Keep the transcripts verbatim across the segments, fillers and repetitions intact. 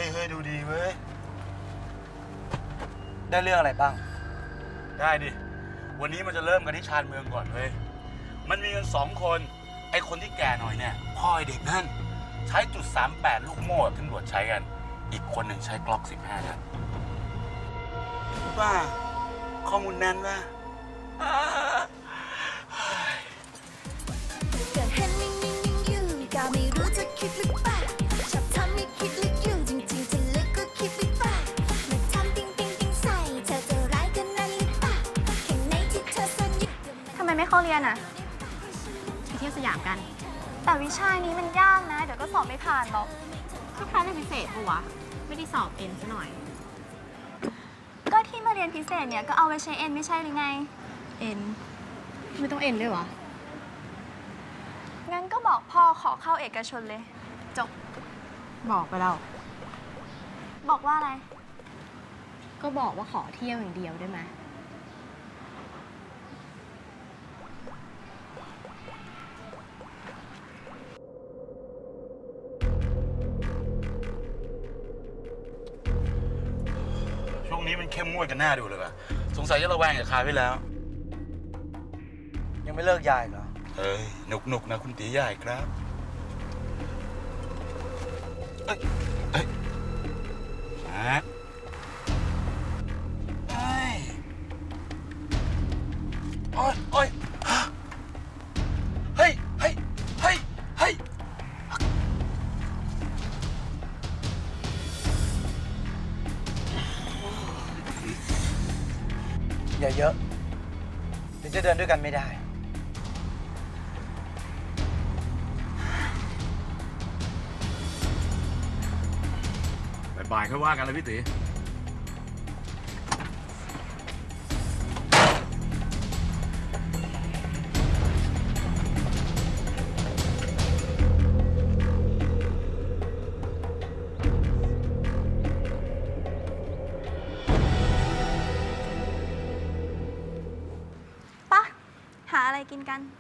เฮ้ยดูดีเว้ยได้เรื่องอะไรบ้างได้ดิวันนี้มันจะเริ่มกันที่ชานเมืองก่อนเว้ยมันมีกันสองคนไอ้คนที่แก่หน่อยเนี่ยพ่อไอเด็กนั่นใช้จุดสามแปดลูกโม่ที่ตำรวจใช้กันอีกคนหนึ่งใช้กล็อกสิบห้านัดว่าข้อมูลแน่นว่าเกิดเห็นนิ่งๆอยู่ก็ไม่รู้จะคิดหรือเปล่าชอบทำให้คิดลึกอยู่จริงๆจะลึกก็คิดหรือเปล่ามาทำติ๊งติ๊งติ๊งใส่เธอจะร้ายกันนั้นหรือเปล่าแค่ไหนที่เธอซ่อนอยู่ทำไมไม่เข้าเรียนอ่ะไปเที่ยวสยามกันแต่วิชานี้มันยากนะเดี๋ยวก็สอบไม่ผ่านหรอกก็คลาสเรียนพิเศษปะวะไม่ได้สอบเอ็นซะหน่อยก็ที่มาเรียนพิเศษเนี่ยก็เอาไว้ใช้เอ็นไม่ใช่หรือไงเอ็นไม่ต้องเอ็นด้วยวะงั้นก็บอกพ่อขอเข้าเอกชนเลยจบบอกไปแล้วบอกว่าอะไรก็บอกว่าขอเที่ยวอย่างเดียวได้ไหมช่วงนี้มันเข้มงวดกันหน้าดูเลยว่ะสงสัยจะระแวงกับคาไปแล้วยังไม่เลิกยายเหรอเอ้ยหนุกหนุกนะคุณตีใหญ่ครับเอ้ยเอ้ยฮะเอ้ยโอ้ยโอ้ยเฮ้ยเฮ้ยเฮ้ยเฮ้ยอย่าเยอะเดี๋ยวจะเดินด้วยกันไม่ได้บ่ายๆค่อยว่ากันเลยพี่ตีปะหาอะไรกินกัน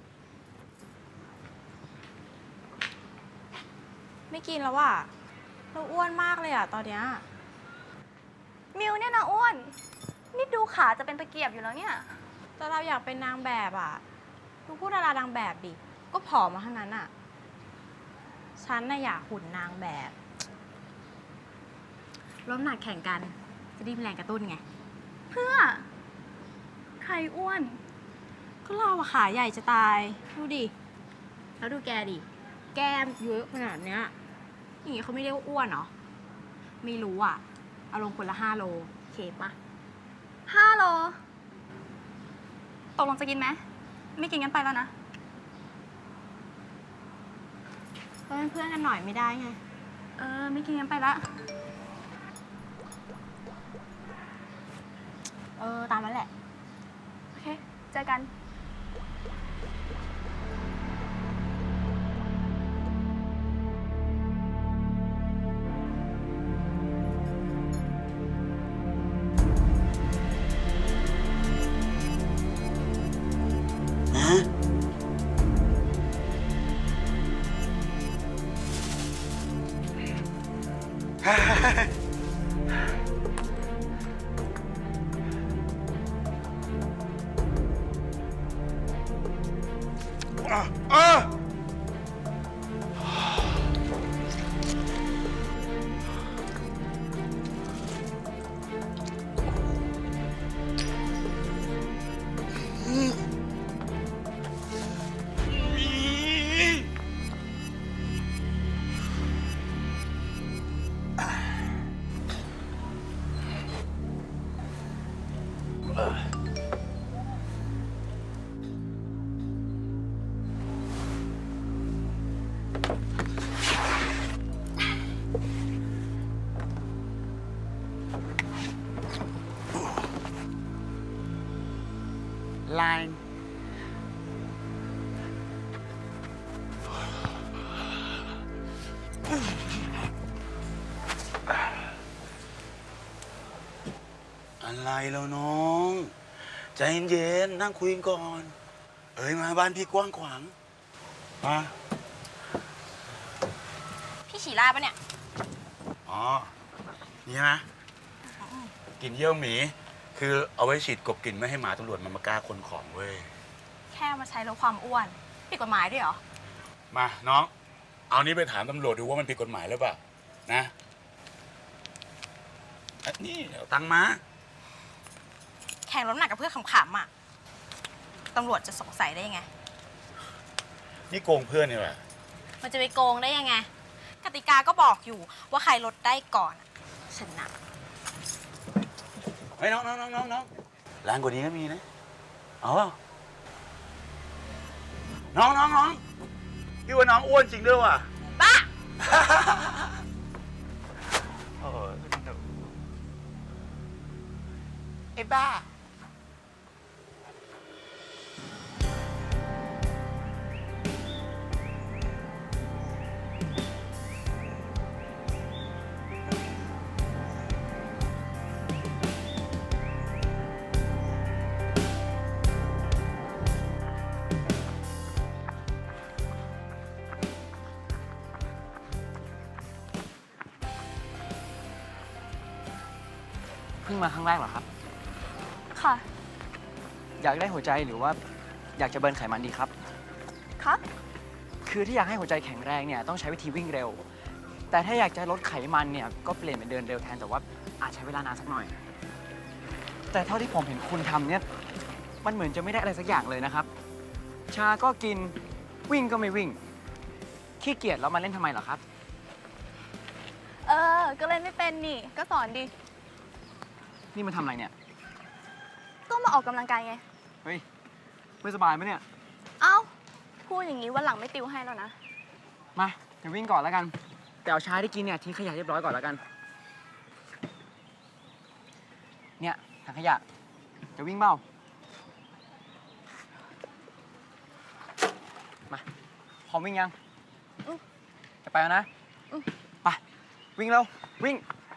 ไม่กินแล้วว่ะเราอ้วนมากเลยอ่ะตอนเนี้ยมิวเนี่ยนะอ้วนนี่ดูขาจะเป็นตะเกียบอยู่แล้วเนี่ยแต่เราอยากเป็นนางแบบอ่ะดูพูดดารานางแบบดิก็ผอมมาทั้งนั้นอ่ะฉันน่ะอยากหุ่นนางแบบลดน้ำหนักแข่งกันจะได้มีแรงกระตุ้นไงเพื่อใครอ้วนก็เราอะขาใหญ่จะตายดูดิแล้วดูแกดิแก้มเยอะขนาดเนี้ยอย่างงี้เขาไม่เรียกว่าอ้วนเหรอไม่รู้อ่ะเอาลงคนละห้าโลเคปะห้าโลตกลงจะกินไหมไม่กินงั้นไปแล้วนะก็เป็นเพื่อนกันหน่อยไม่ได้ไงเออไม่กินงั้นไปละเออตามนั้นแหละโอเคเจอกันอ่ะอ่ะline อะไรแล้วน้องใจเย็นๆนั่งคุยกันก่อนเอ้ยมาบ้านพี่กว้างขวางมาพี่ฉี่ราปะเนี่ยอ๋อ นี่นะกลิ่นเยี่ยวหมี คือเอาไว้ฉีดกลบกลิ่นไม่ให้หมาตำรวจมันมากล้าคนของเว้ยแค่มาใช้ลดความอ้วนผิดกฎหมายด้วยเหรอมาน้อง เอานี้ไปถามตำรวจดูว่ามันผิดกฎหมายหรือเปล่า นะอันนี่เอาตังค์มาแข่งลดน้ำหนักกับเพื่อนขำๆอ่ะตำรวจจะสงสัยได้ยังไงนี่โกงเพื่อนนี่แหละมันจะไปโกงได้ยังไง กติกาก็บอกอยู่ว่าใครลดได้ก่อนชนะเฮ้ยน้องน้องน้องน้องน้องแรงกว่านี้ก็มีนะเอาเปล่าน้องน้องน้องพี่ว่าน้องอ้วนจริงด้วยว่ะบ้าโอ้ยไอ้บ้าเพิ่งมาครั้งแรกเหรอครับค่ะอยากได้หัวใจหรือว่าอยากจะเบิร์นไขมันดีครับครับคือที่อยากให้หัวใจแข็งแรงเนี่ยต้องใช้วิธีวิ่งเร็ว แต่ถ้าอยากจะลดไขมันเนี่ยก็เปลี่ยนเป็นเดินเร็วแทนแต่ว่าอาจใช้เวลานานสักหน่อย แต่เท่าที่ผมเห็นคุณทำเนี่ยมันเหมือนจะไม่ได้อะไรสักอย่างเลยนะครับ ชาก็กินวิ่งก็ไม่วิ่งขี้เกียจแล้วมาเล่นทำไมเหรอครับเออ ก็เล่นไม่เป็นนี่ ก็สอนดินี่มันทำอะไรเนี่ยก็มาออกกำลังกายไงเฮ้ยไม่สบายไหมเนี่ยเอ้า พูดอย่างนี้วันหลังไม่ติวให้แล้วนะมาเดี๋ยววิ่งก่อนแล้วกัน แต่เอาชาที่กินเนี่ยทิ้งขยะเรียบร้อยก่อนแล้วกัน เนี่ยถังขยะจะวิ่งเปล่ามาพร้อมวิ่งยังอืมจะไปแล้วนะอืมไปวิ่งเร็ววิ่ง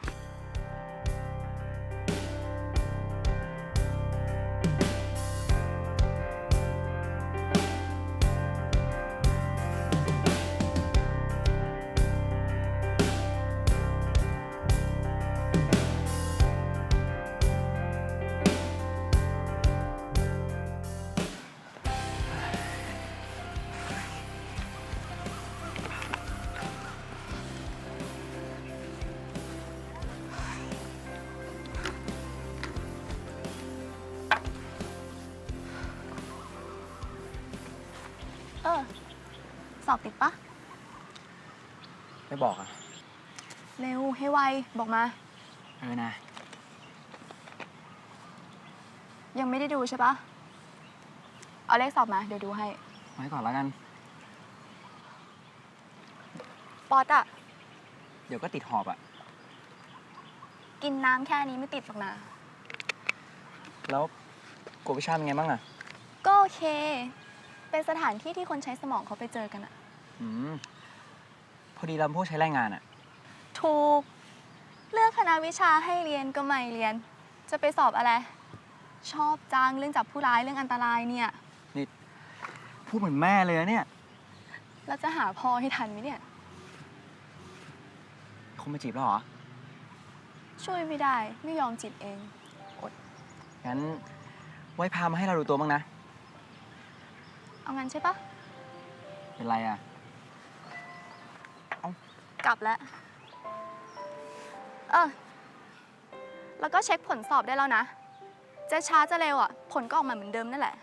เออ สอบติดปะไม่บอกอ่ะเร็ว ให้ไว บอกมาเออนะยังไม่ได้ดูใช่ปะ เอาเลขสอบมา เดี๋ยวดูให้ไว้ก่อนแล้วกันป๊อตอะเดี๋ยวก็ติดหอบอ่ะกินน้ำแค่นี้ไม่ติดหรอกนะแล้วกวดวิชาเป็นไงบ้างอ่ะก็โอเค เป็นสถานที่ที่คนใช้สมองเขาไปเจอกันอะอืมพอดีเราพวกใช้แรงงานอ่ะถูก เลือกคณะวิชาให้เรียนก็ไม่เรียน จะไปสอบอะไร ชอบจังเรื่องจับผู้ร้ายเรื่องอันตรายเนี่ยนี่พูดเหมือนแม่เลยนะเนี่ยแล้วจะหาพ่อให้ทันไหมเนี่ยคงมาจีบแล้วเหรอช่วยไม่ได้ ไม่ยอมจิตเองงั้นไว้พามาให้เราดูตัวบ้างนะเอางั้นใช่ปะเป็นไรอ่ะกลับแล้ว เออ แล้วก็เช็คผลสอบได้แล้วนะ จะช้าจะเร็วอ่ะ ผลก็ออกมาเหมือนเดิมนั่นแหละ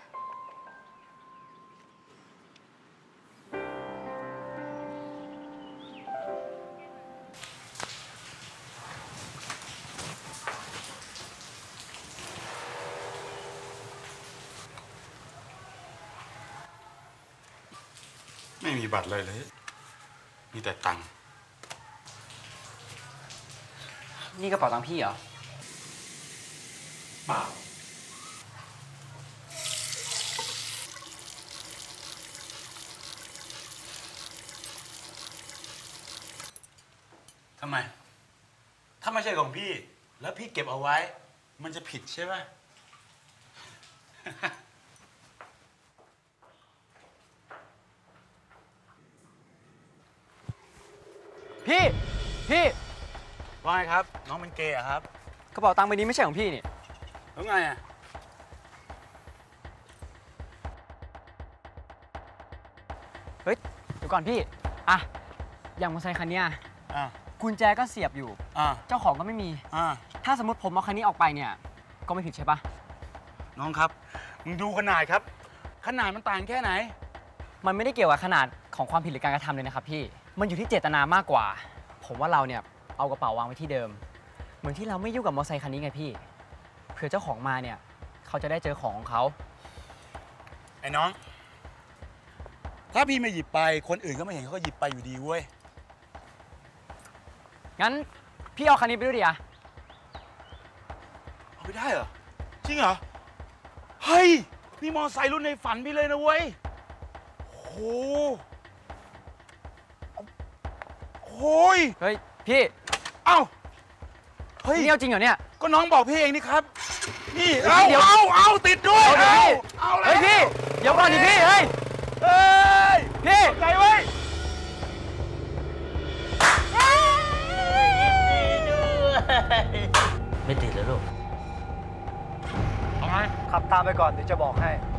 ไม่มีบัตรเลยเลย มีแต่ตังค์นี่กระเป๋าตังค์พี่เหรอเปล่าทำไม ถ้าไม่ใช่ของพี่ แล้วพี่เก็บเอาไว้ มันจะผิดใช่ไหมพี่ พี่ว่าไงครับ น้องเป็นเกย์อะครับกระเป๋าตังค์ใบนี้ไม่ใช่ของพี่นี่แล้วไงอะเฮ้ย เดี๋ยวก่อนพี่ อ่ะ อย่างมอเตอร์ไซค์คันเนี้ยอ่ากุญแจก็เสียบอยู่อ่าเจ้าของก็ไม่มีอ่าถ้าสมมติผมเอาคันนี้ออกไปเนี่ย ก็ไม่ผิดใช่ปะน้องครับมึงดูขนาดครับ ขนาดมันต่างแค่ไหนมันไม่ได้เกี่ยวกับขนาดของความผิดหรือการกระทำเลยนะครับพี่ มันอยู่ที่เจตนามากกว่า ผมว่าเราเนี่ยเอากระเป๋าวางไว้ที่เดิม เหมือนที่เราไม่ยุ่งกับมอเตอร์ไซค์คันนี้ไงพี่ เผื่อเจ้าของมาเนี่ยเขาจะได้เจอของของเขาไอ้น้อง ถ้าพี่ไม่หยิบไป คนอื่นก็ไม่เห็นเขาก็หยิบไปอยู่ดีเว้ยงั้นพี่เอาคันนี้ไปด้วยดิอะเอาไปได้เหรอ จริงเหรอ เฮ้ย นี่มอไซค์รุ่นในฝันพี่เลยนะเว้ยโอ้โหโอ้ยเฮ้ยพี่เอ้า เฮ้ยนี่เอาจริงเหรอเนี่ยก็น้องบอกพี่เองนี่ครับ นี่เฮ้เอายเดี๋ยวเอาเอาติดด้วยเอาดิเอาแล้วเฮ้ยพี่ เดี๋ยวก่อนดิพี่ เฮ้ยเฮ้ยพี่ไงเว้ยไม่ติดแล้วลูกเอาไงขับตามไปก่อนเดี๋ยวจะบอกให้